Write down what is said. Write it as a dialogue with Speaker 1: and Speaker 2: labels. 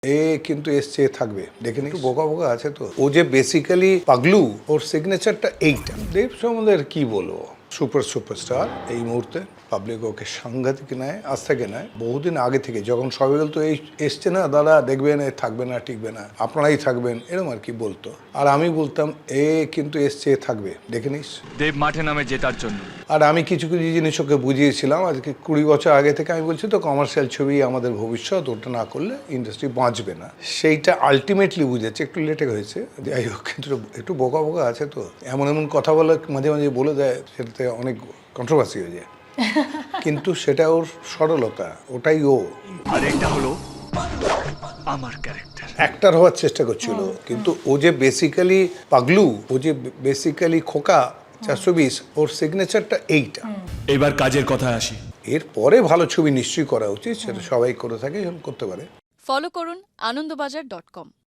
Speaker 1: এ কিন্তু এসছে থাকবে দেখে একটু বোকা বোকা আছে তো ও যে বেসিক্যালি পাগলু ওর সিগনেচারটা এইটা দেব সম্বন্ধে আর কি বলবো সুপারস্টার এই মুহূর্তে পাবলিক ওকে সাংঘাতিক নেয় আজ থেকে নেয় বহুদিন আগে থেকে যখন সবাই বলতো এই এসছে না দাদা দেখবেন এ থাকবে না টিকবে না আপনারাই থাকবেন এরকম আর কি বলতো আর আমি বলতাম এ কিন্তু এসছে থাকবে দেখে নিস
Speaker 2: দেব মাঠে নামে জেতার জন্য
Speaker 1: আর আমি কিছু কিছু জিনিস ওকে বুঝিয়েছিলাম আজকে 20 বছর আগে থেকে আমি বলছি তো কমার্শিয়াল ছবি আমাদের ভবিষ্যৎ ওটা না করলে ইন্ডাস্ট্রি বাঁচবে না সেইটা আলটিমেটলি বুঝেছে একটু লেটে হয়েছে যাই হোক কিন্তু একটু বোকা বোকা আছে তো এমন এমন কথা বলে মাঝে মাঝে বলে দেয় সেটাতে অনেক কন্ট্রোভার্সি হয়ে যায় কিন্তু সেটা ওর সরলতা ওটাই ও
Speaker 2: আর এটা হলো আমার ক্যারেক্টার
Speaker 1: অ্যাক্টর হওয়ার চেষ্টা করছিল কিন্তু ও যে বেসিক্যালি পাগলু ও যে বেসিক্যালি খোকা 420 ওর সিগনেচারটা এইটা
Speaker 2: এবার কাজের কথায় আসি
Speaker 1: এরপরে ভালো ছবি নিশ্চয়ই করা উচিত সেটা সবাই করে থাকে করতে পারে
Speaker 3: ফলো করুন আনন্দবাজার.com